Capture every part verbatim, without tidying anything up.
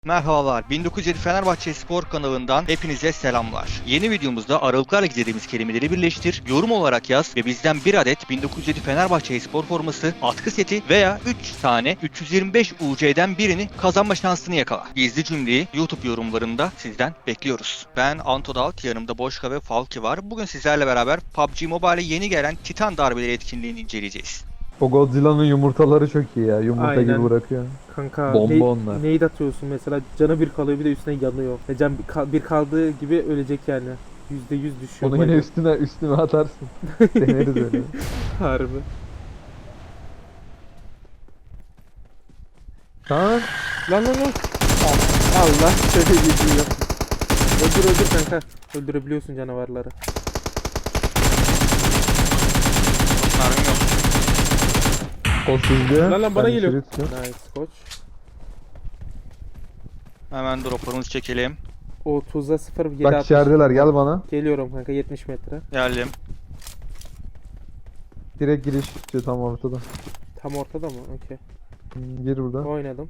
Merhabalar, bin dokuz yüz yedi Fenerbahçe Spor kanalından hepinize selamlar. Yeni videomuzda aralıklarla gizlediğimiz kelimeleri birleştir, yorum olarak yaz ve bizden bir adet bin dokuz yüz yedi Fenerbahçe Spor forması, atkı seti veya üç tane üç yüz yirmi beş U C'den birini kazanma şansını yakala. Gizli cümleyi YouTube yorumlarında sizden bekliyoruz. Ben Antodalt, yanımda Boşka ve Falki var. Bugün sizlerle beraber P U B G Mobile'e yeni gelen Titan darbeleri etkinliğini inceleyeceğiz. O Godzilla'nın yumurtaları çok iyi ya. Yumurta Aynen. gibi bırakıyor. Kanka Bomba ne, onlar. nade atıyorsun mesela, canı bir kalıyor, bir de üstüne yanıyor. E can bir, kal- bir kaldığı gibi ölecek yani. Yüzde yüz düşüyor. Onu yine bence. üstüne üstüne atarsın. Deneriz öyle. Harbi. Tamam. Lan lan lan. Allah şöyle gidiyor. Öldür öldür kanka. Öldürebiliyorsun canavarları. Mermim yok. O sizde. Lan lan bana Ben geliyor. içeri tutuyorum. Nice koç. Hemen droplarımızı çekelim. otuza sıfır yedi Bak altmış. içerideler, gel bana. Geliyorum kanka, yetmiş metre. Geldim. Direkt giriş istiyor tam ortada. Tam ortada mı? Okey. Hmm, Gir buradan. Oynadım.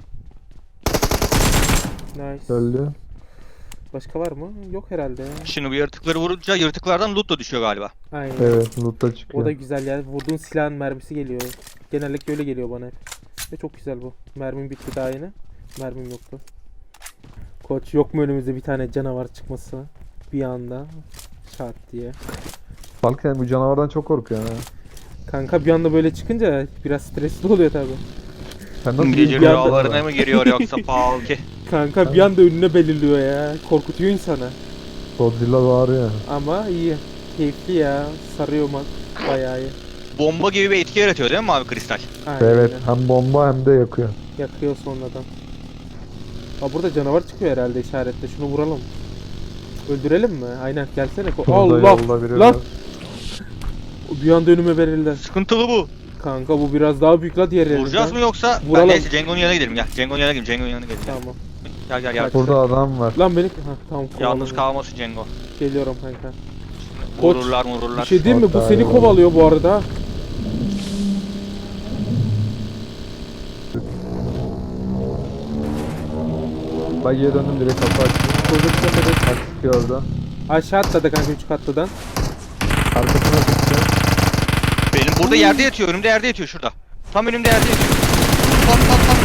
Nice. Öldü. Başka var mı? Yok herhalde. Şimdi bu yaratıkları vurunca yaratıklardan loot da düşüyor galiba. Aynen. Evet, loot'ta O çıkıyor. da güzel ya. Vurduğun silahın mermisi geliyor. Genellikle öyle geliyor bana hep. Ve çok güzel bu. Mermim bitti daha yine. Mermim yoktu. Koç, yok mu önümüzde bir tane canavar çıkması? Bir anda. Şart diye. Balk sen bu canavardan çok korkuyorsun ha. Kanka bir anda böyle çıkınca biraz stresli oluyor tabi. Sen nasıl Gece bir rüyalarına mı giriyor yoksa Falki? Kanka bir anda önüne belirliyor ya. Korkutuyor insanı. Godzilla bağırıyor. Ama iyi. Keyifli ya. Sarıyor mak. Bayağı iyi. Bomba gibi bir etki yaratıyor değil mi mavi kristal? Aynen. Evet, hem bomba hem de yakıyor. Yakıyor sonradan. Aa, burada canavar çıkıyor herhalde işaretle. Şunu vuralım. Öldürelim mi? Aynen, gelsene. Ko- Burada Allah! yolda biri Lan! var. Bir anda önüme verildi. Sıkıntılı bu. Kanka bu biraz daha büyük la diğer yerinden. Vuracağız mı yoksa? Vuralım. Ben neyse Cengo'nun yanına gidelim gel. Cengo'nun yanına gidelim. Cengo'nun yanına gidelim. Tamam. Gel gel gel. Burada adam var. Lan beni... Ha, tamam, Yalnız kovalamıyor. kalmasın Cengo. Geliyorum kanka. Koç, Vururlar Bir vururlar. şey diyeyim mi? Bu Hatta seni yok. kovalıyor bu arada. Bagiye döndüm, direkt kapı açtım. Çocuk tepede. Bak çıkıyor orada. Aşağı atladı kanka, üç katlıdan. Arkasına çıktı. Benim burada yerde yatıyor. Önümde yerde yatıyor şurada. Tam önümde yerde yatıyor. Tam tam tam.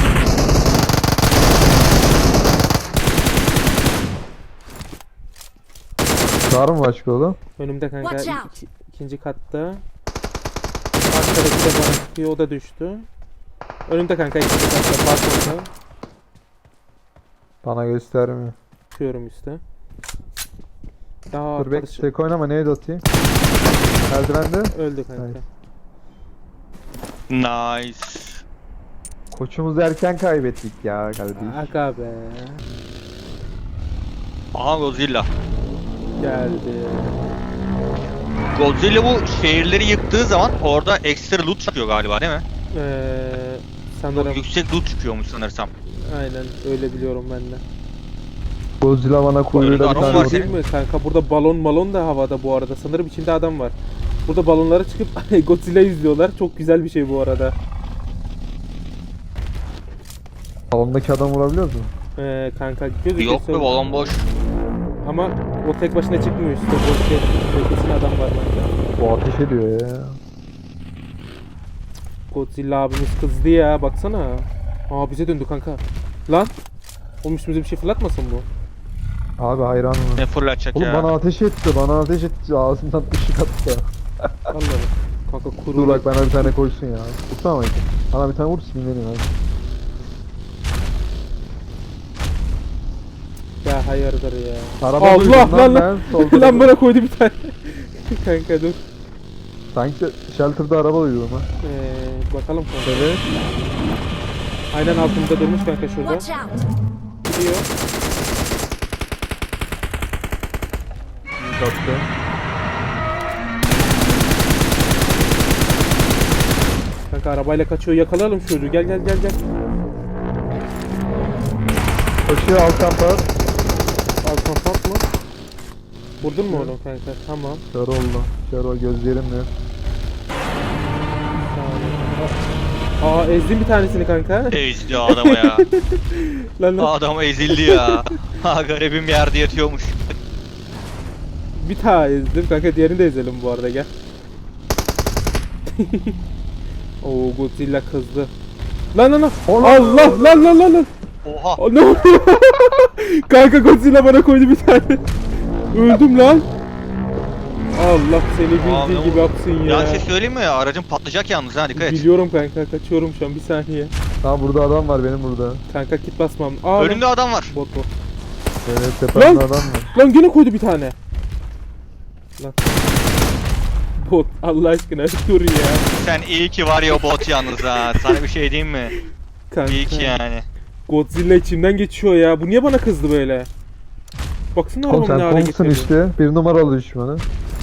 Var mı başka oğlum? Önümde kanka. Watch out. iki- ikinci katta. Arkadaki de bana sıkıyor, o da düştü. Önümde kanka, ikinci katta. Balkonda. Bana göstermiyor. Çıkıyorum üstte. Daha Dur bek, arkadaşı tek oynama, neydi atayım? Merdivende. öldü kanka. Nice. Nice. Koçumuzu erken kaybettik ya kardeşim. Aga be. Aha Godzilla. Geldi. Godzilla bu şehirleri yıktığı zaman orada ekstra loot çıkıyor galiba değil mi? Ee, sanırım Yüksek loot çıkıyormuş sanırsam. aynen öyle biliyorum ben de. Godzilla bana Önünde kuyruğuyla bir adam tane var vurdu. senin. Değil mi kanka, burada balon balon da havada bu arada. Sanırım içinde adam var. Burada balonlara çıkıp Godzilla izliyorlar. Çok güzel bir şey bu arada. Salondaki adam vurabiliyor musun? Ee, kanka gözüküyor. Yok be balon boş. Ama o tek başına çıkmıyor işte. Boş yer. Kesin adam var bence. Bu ateş ediyor ya. Godzilla abimiz kızdı ya, baksana. Aa, bize döndü kanka. Lan. Oğlum üstümüze bir şey fırlatmasın bu. Abi hayranım. Ne fırlatacak Oğlum ya. bana ateş etti, bana ateş etti. Ağzından ışık attı. Vallahi. Kanka kuru. Dur bak, bana bir tane koysun ya. Tutsana mı? Bana bir tane vur, sinirleneyim hadi. Ya hayırdır ya. Araba Allah duydum lan lan lan. ben, solda Lan dur. bana koydu bir tane. Kanka dur. Sanki shelter'da araba duydum ha. Ee, bakalım kanka. Evet. Aynen altımızda durmuş kanka şurada. Watch out! Gidiyor. Yüz attı. Kanka arabayla kaçıyor, yakalayalım şu çocuğu. Gel gel gel gel. Koşuyor alt kampa. Al kapat mı? Vurdun mu onu kanka? Tamam. Kör oldu. Kör ol, gözlerim yok. Tamam. Aa ezdim bir tanesini kanka. Ezdi adamı ya. Lan lan. Adam ezildi ya. Ha garibim yerde yatıyormuş. Bir tane ezdim kanka, diğerini de ezelim bu arada, gel. Oo Godzilla kızdı. Lan lan lan. Allah lan lan lan lan. Oha. Aa, ne oluyor? Kanka Godzilla bana koydu bir tane. Öldüm lan. Allah seni Aa, bildiği ne gibi oldu? yapsın ya. Ya bir şey söyleyeyim mi ya? Aracın patlayacak yalnız ha, dikkat et. Biliyorum kanka, kaçıyorum şu an, bir saniye. Ha burada adam var benim burada. Kanka kit basmam. Aa, Önünde lan. adam var. Bot bot. Evet tepemde adam var. Lan gene koydu bir tane. Lan. Bot Allah aşkına dur ya. Sen iyi ki var ya o bot yalnız ha. Sana bir şey diyeyim mi? Kanka. İyi ki yani. Godzilla içimden geçiyor ya. Bu niye bana kızdı böyle? Baksana Oğlum arabamı ne sen hale Kong'sun getirdi. işte. Bir numaralı düşmanı.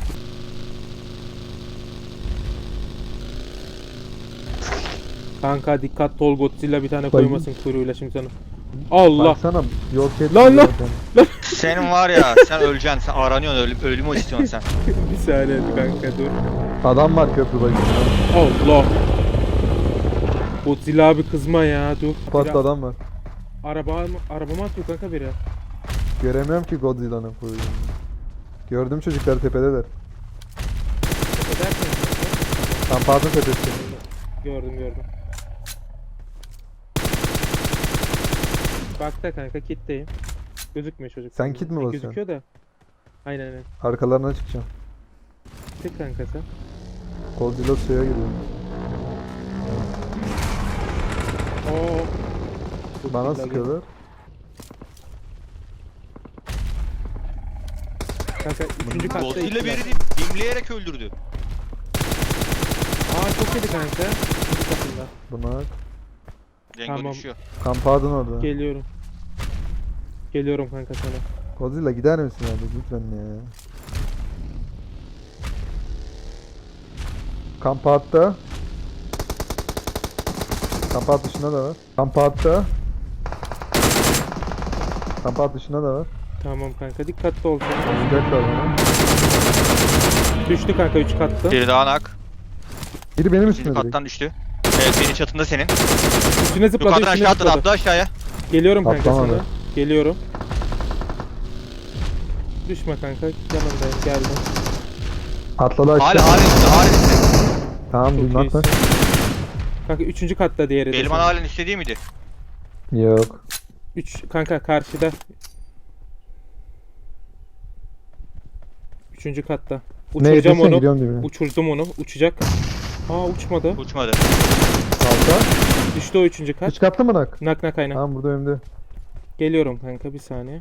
Kanka dikkatli ol, Godzilla bir tane Bak- koymasın kuyruğuyla şimdi sana. Allah. Baksana yok et. Lan, lan. Senin var ya, sen öleceksin. Sen aranıyorsun, ölüm, ölümü istiyorsun sen. Bir saniye kanka dur. Adam var köprü başında. Allah. Godzilla abi kızma ya, dur. Patlı Biri- adam var. Araba arabama atıyor kanka biri. Göremiyorum ki Godzilla'nın kuyruğunu. Gördüm çocuklar tepedeler. Edersin. Kampadın tepesi. Gördüm gördüm. Bak da kanka kitleyim. Gözükmüyor çocuk. Sen kit mi E, basıyorsun? Gözüküyor da. Aynen aynen. Arkalarına çıkacağım. Tek kanka sen. Godzilla suya giriyor. Oo. Bana Godzilla sıkıyorlar. Kanka üçüncü katta. Godzilla ikiler. birini dimleyerek öldürdü. Aa çok yedi kanka. İkinci katında. Buna Cengo Tamam. düşüyor. kampadın orada. Geliyorum. Geliyorum kanka sana. Godzilla gider misin abi lütfen ya. Kampatta. Kampat dışında da var. Kampatta. Kampat dışında da var. Tamam kanka dikkatli ol. Sıcaklar bana. Düştü kanka üç katta. Biri daha nak. Biri benim İkinci üstüme direkt. kattan düştü. Evet, biri çatında senin. Üstüne zıpladı, Yukarıdan üstüne aşağı atladı, zıpladı. atla aşağıya. Geliyorum kanka Atlamadı. sana. Geliyorum. Düşme kanka. Yanındayım, geldim. Atladı aşağı. Hala halen üstte, halen üstte. Tamam Çok bilmem iyisin. atla. Kanka üçüncü katta diğeri de. Elman senin. halen üstte değil miydi? Yok. Üç kanka karşıda. Üçüncü katta. Ne Uçuracağım ediyorsun onu. gidiyorum dibine. Uçurdum onu. Uçacak. Aa uçmadı. Uçmadı. Alta. Düştü o üçüncü kat. Hiç kattı mı nak? Nak nak aynen. Tamam burada önümde. Geliyorum kanka bir saniye.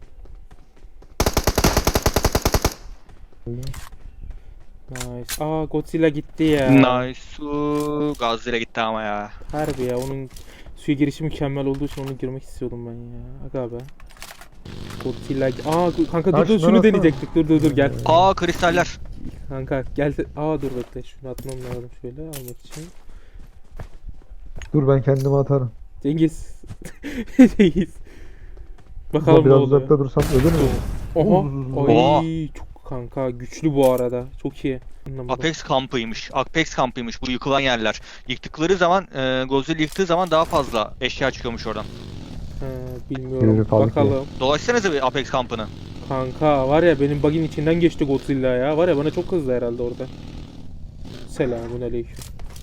Nice. Aa Godzilla gitti ya. Nice. Uuu, Godzilla gitti ama ya. Harbi ya, onun suya girişi mükemmel olduğu için onu girmek istiyordum ben ya. Aga be. Godzilla. Aa kanka dur Ha, dur şunları şunu atsana. deneyecektik. Dur dur dur gel. Aa, kristaller. Kanka gel. Aa dur bekle. Şunu atmam lazım şöyle almak için. Dur ben kendimi atarım. Cengiz. Cengiz. Ama Bakalım ne biraz oluyor. uzakta dursam ölür mü? Oha. Oha. Ay çok kanka güçlü bu arada. Çok iyi. Anlamadım. Apex kampıymış. Apex kampıymış bu yıkılan yerler. Yıktıkları zaman, e, Godzilla yıktığı zaman daha fazla eşya çıkıyormuş oradan. He, bilmiyorum. Yürü, kalk Bakalım. Dolaşsanıza bir Apex kampını. Kanka var ya benim bug'in içinden geçti Godzilla ya. Var ya bana çok kızdı herhalde orada. Selamun aleyküm.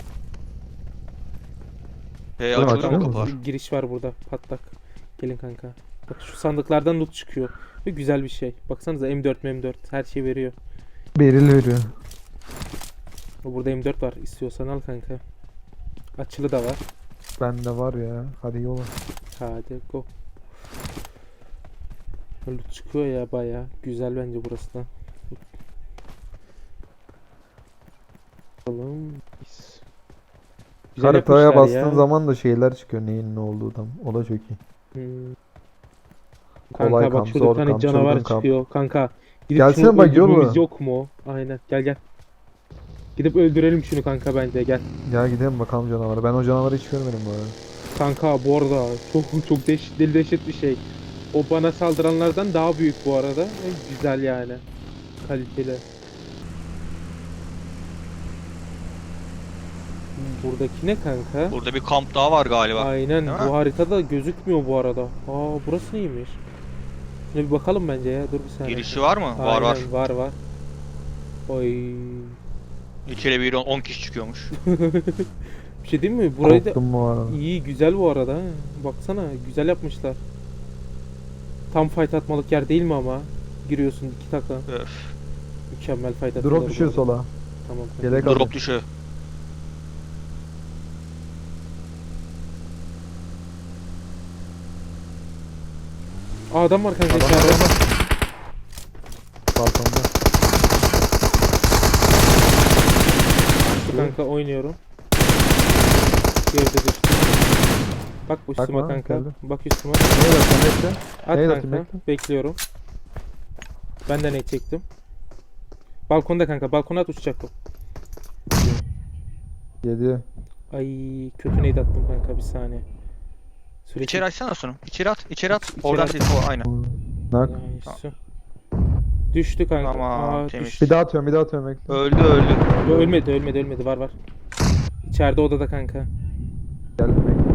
E, Dur, açılıyor açılıyor mu mu? kapılar? Giriş var burada patlak. Gelin kanka. Bak şu sandıklardan loot çıkıyor. Ve güzel bir şey. Baksanıza M dört M dört her şey veriyor. Beril veriyor. Burada M dört var. İstiyorsan al kanka. Açılı da var. Bende var ya. Hadi yola. Hadi go. Loot çıkıyor ya baya. Güzel bence burası da. Bakalım. Güzel Haritaya yapmışlar bastığın ya. zaman da şeyler çıkıyor neyin ne olduğu tam. O da çok iyi. Hmm. Kolay Kanka bak kamp, şurada bir zor tane kamp, canavar çılgın kamp. çıkıyor kanka. Gidip Gelsene şunu bak, öldürmemiz yolla. yok mu? Aynen gel gel. Gidip öldürelim şunu kanka bence gel. Ya gidelim bakalım canavara. Ben o canavarı hiç görmedim bu arada. Kanka bu arada çok çok deş, deli dehşet bir şey. O bana saldıranlardan daha büyük bu arada. Ve güzel yani. Kaliteli. Buradaki ne kanka? Burada bir kamp daha var galiba. Aynen Değil mi? bu haritada gözükmüyor bu arada. Aa burası neymiş? Şuna bir bakalım bence ya. Dur bir saniye. Girişi var mı? Var var. Aynen, var var. Oy. İçeri bir on kişi çıkıyormuş. Bir şey değil mi? Burayı da Korktum bu arada. iyi güzel bu arada. ha. Baksana güzel yapmışlar. Tam fight atmalık yer değil mi ama? Giriyorsun iki takla. Öf. Mükemmel fight atıyorlar. Drop düşüyor bu arada. sola. Tamam. kanka. Yelek al. Drop düşüyor. Aa adam var kanka Adam içeride. var. Balkonda. Şu kanka oynuyorum. Geride düştü. Bak bu üstüme Bakma, kanka. geldi. Bak üstüme. Neye bakıyorsun bekle. At Neyi kanka. atayım, bekle. Bekliyorum. Ben de ne çektim. Balkonda kanka. Balkona at uçacak o. Yedi. Ay kötü neydi attım kanka bir saniye. Sürekli İçeri açsana şunu. İçeri at. İçeri at. İçeri Oradan at. ses o aynen. Nak. Nice. Düştü kanka. Tamam, Aa, temiz. düştü. Bir daha atıyorum bir daha atıyorum bekle. Öldü öldü. Yo, ölmedi ölmedi ölmedi var var. İçeride odada kanka. Geldim bekle.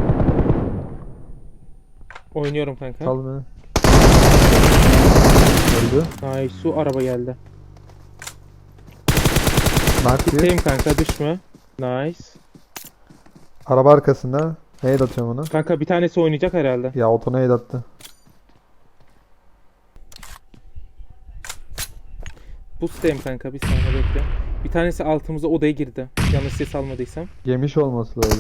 Oynuyorum kanka. Sal beni. Öldü. Nice su araba geldi. Nak bir. Tutayım kanka düşme. Nice. Araba arkasında. Neye atıyorum onu? Kanka bir tanesi oynayacak herhalde. Ya oto neye attı? Boost'tayım kanka bir saniye bekle. Bir tanesi altımıza odaya girdi. Yanlış ses almadıysam. Yemiş olması lazım.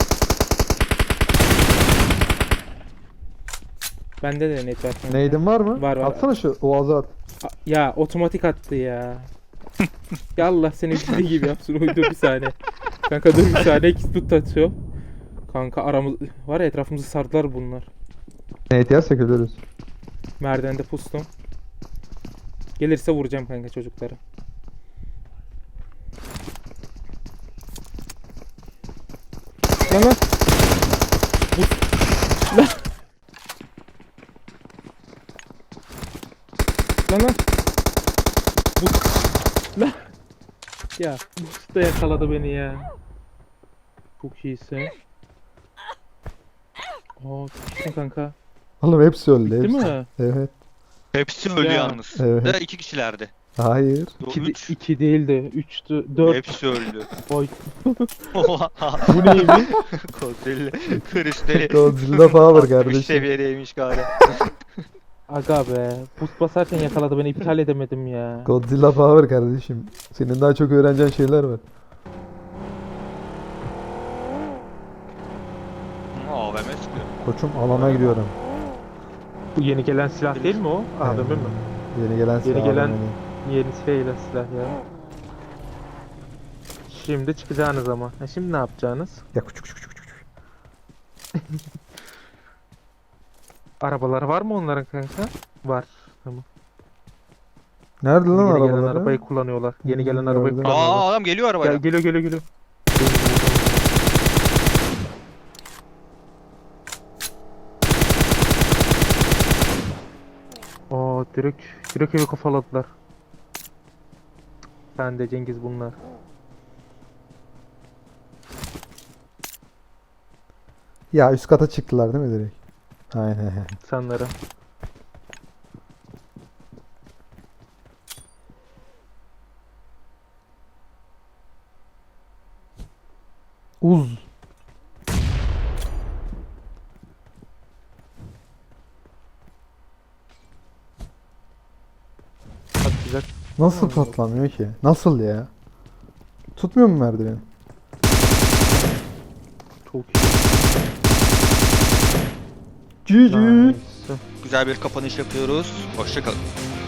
Bende de net var kanka. Neydin var mı? Var, var. Atsana şu Oğaz'a at. A- Ya otomatik attı ya. Ya Allah seni bildiği gibi yapsın. Dur bir saniye. Kanka dur bir saniye. İkisi tut atıyor. Kanka aramız var ya etrafımızı sardılar bunlar. Neye yersek ölürüz. Merdivende pustum. Gelirse vuracağım kanka çocukları. Lan lan. Bu- Lan. Lan lan. Bu- Lan. Ya bu da yakaladı beni ya. Çok iyisin. Aa tuttum kanka. Oğlum hepsi öldü. Değil Hepsi. mi? Evet. Hepsi öldü Ya. yalnız. Evet. Da iki kişilerdi. Hayır. Yo, İki, üç. iki değil de üçtü. Dört. Hepsi öldü. Oy. Oha. Bu neymiş? Kozeli. Kristali. Godzilla power altmış kardeşim. seviyedeymiş galiba. Aga be. Boost basarken yakaladı beni iptal edemedim ya. Godzilla power kardeşim. Senin daha çok öğreneceğin şeyler var. A V M sıkıyor. Koçum alana gidiyorum. Bu yeni gelen silah değil mi o? A V M mi? Yeni gelen Yeni silah gelen- alana. Yeni gelen silah ya. Şimdi çıkacağınız ama. Ha, şimdi ne yapacaksınız? Ya küçük küçük küçük küçük. Arabaları var mı onların kanka? Var. Tamam. Nerede lan Yeni gelen arabaları? arabayı kullanıyorlar. Yeni Hmm, gelen arabayı gördüm. kullanıyorlar. Aa adam geliyor arabaya. Gel, geliyor geliyor geliyor. Aa direkt direkt evi kafaladılar. Ben de Cengiz bunlar. Ya üst kata çıktılar değil mi direkt? Aynen. Sanırım. Uz. Patlayacak. Nasıl patlamıyor ki? Nasıl ya? Tutmuyor mu merdiveni? Çok iyi. G G. Nice. Güzel bir kapanış yapıyoruz. Hoşçakalın.